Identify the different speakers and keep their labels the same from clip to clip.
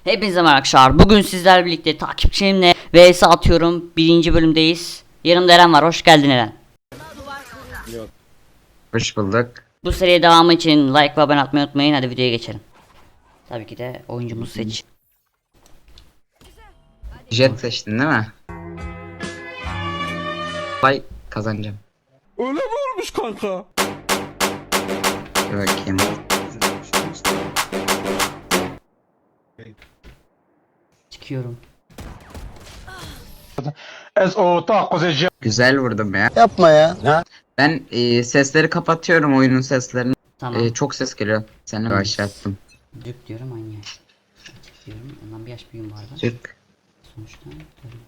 Speaker 1: Hepinize merhaba arkadaşlar. Bugün sizlerle birlikte takipçimle vs atıyorum. Birinci bölümdeyiz. Yanımda Eren var. Hoş geldin Eren.
Speaker 2: Hoş bulduk.
Speaker 1: Bu seriye devamı için like ve abone atmayı unutmayın. Hadi videoya geçelim. Tabii ki de oyuncumuzu seç.
Speaker 2: Jet seçtin değil mi? Vay kazanacağım.
Speaker 3: Öyle mi olmuş kanka?
Speaker 2: Dur bakayım.
Speaker 1: Çıkıyorum.
Speaker 2: Güzel vurdum ya.
Speaker 4: Yapma ya.
Speaker 2: Ben sesleri kapatıyorum, oyunun seslerini.
Speaker 1: Tamam.
Speaker 2: Çok ses geliyor. Seni başlattım.
Speaker 1: Dük diyorum aynı yaş. Açık diyorum. Ondan bir yaş büyüğüm var da.
Speaker 2: Çık.
Speaker 1: Sonuçta. Tabii.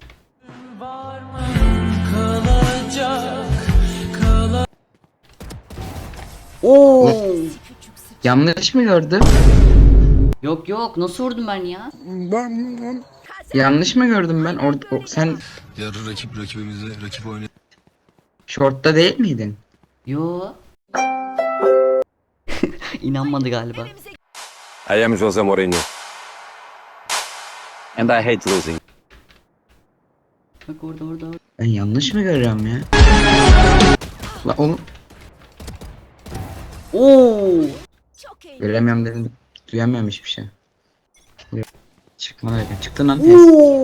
Speaker 1: Oo.
Speaker 2: Yanlış mı gördüm?
Speaker 1: Yok yok, nasıl vurdum ben ya?
Speaker 2: Yanlış mı gördüm ben? Sen
Speaker 5: Yarı rakibimize rakip oynuyor.
Speaker 2: short'ta değil miydin?
Speaker 1: Yo. İnanmadı galiba.
Speaker 6: I am Jose Mourinho. And I hate losing.
Speaker 1: Bak orada.
Speaker 2: Ben yanlış mı görüyorum ya? La oğlum
Speaker 1: Oo.
Speaker 2: göremiyorum dedim. Duyamıyorum hiçbir şey. Çıkma öyle. Çıktın lan tez.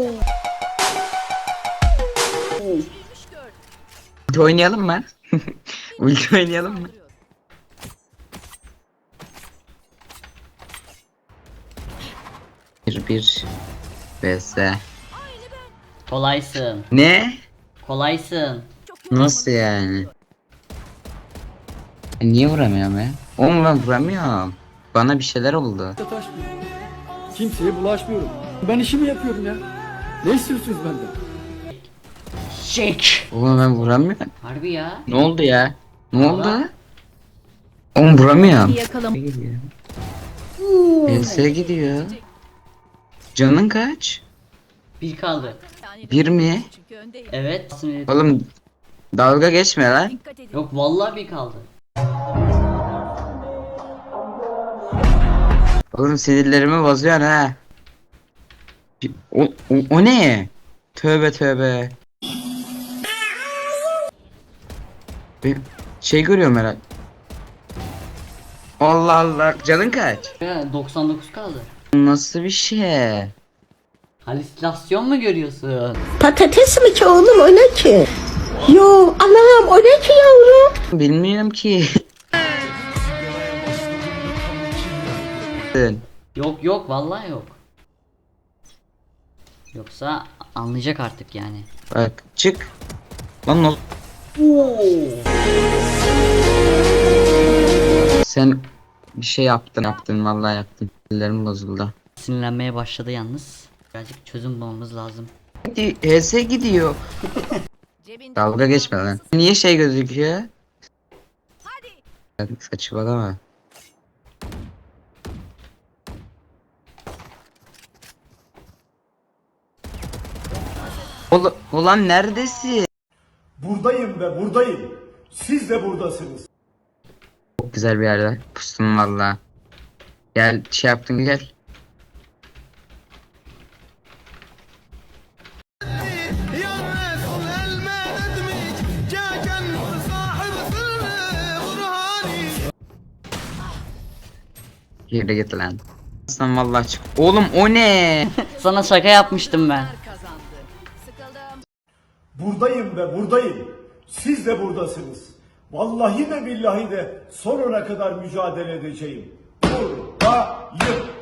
Speaker 2: Ulti oynayalım mı? Ulti oynayalım mı? Bir vs.
Speaker 1: Kolaysın.
Speaker 2: Ne?
Speaker 1: Kolaysın.
Speaker 2: Nasıl yani? Niye vuramıyorum ya? Oğlum ben vuramıyorum. Bana bir şeyler oldu.
Speaker 3: Kimseye bulaşmıyorum. Ben işimi yapıyorum ya. Ne istiyorsunuz benden?
Speaker 1: Şek.
Speaker 2: Oğlum ben vuramıyorum.
Speaker 1: Harbi ya.
Speaker 2: Ne oldu ya? Ne oldu? Oğlum vuramıyorum. Gidiyor. vs gidiyor. Canın kaç?
Speaker 1: Bir kaldı.
Speaker 2: Bir mi?
Speaker 1: Evet.
Speaker 2: Oğlum dalga geçme lan.
Speaker 1: Yok vallahi bir kaldı.
Speaker 2: Oğlum sinirlerimi bozuyorsun ha. O ne? Tövbe tövbe. Bir şey görüyorum herhalde. Allah Allah. Canın kaç?
Speaker 1: Ya, 99 kaldı.
Speaker 2: Nasıl bir şey?
Speaker 1: Halüsinasyon mu görüyorsun?
Speaker 7: Patates mi ki oğlum, o ne ki? Yo Allah'ım, o ne ki yavrum?
Speaker 2: Bilmiyorum ki.
Speaker 1: Yok vallahi yok. Yoksa anlayacak artık yani.
Speaker 2: Bak çık. Lan ne Sen bir şey yaptın vallahi yaptın. Ellerim bozuldu.
Speaker 1: Sinirlenmeye başladı yalnız. Birazcık çözüm bulmamız lazım.
Speaker 2: HS gidiyor. Dalga geçme lan. Niye şey gözüküyor? Hadi. Saçmalama. Ulan neredesin?
Speaker 8: Buradayım ve buradayım. Siz de buradasınız.
Speaker 2: Çok güzel bir yerde. Pustum valla. Gel şey yaptın gel. Yere git lan. Aslan vallahi çık. Oğlum o ne?
Speaker 1: Sana şaka yapmıştım ben.
Speaker 8: Buradayım ve buradayım. Siz de buradasınız. Vallahi de billahi de sonuna kadar mücadele edeceğim. Buradayım.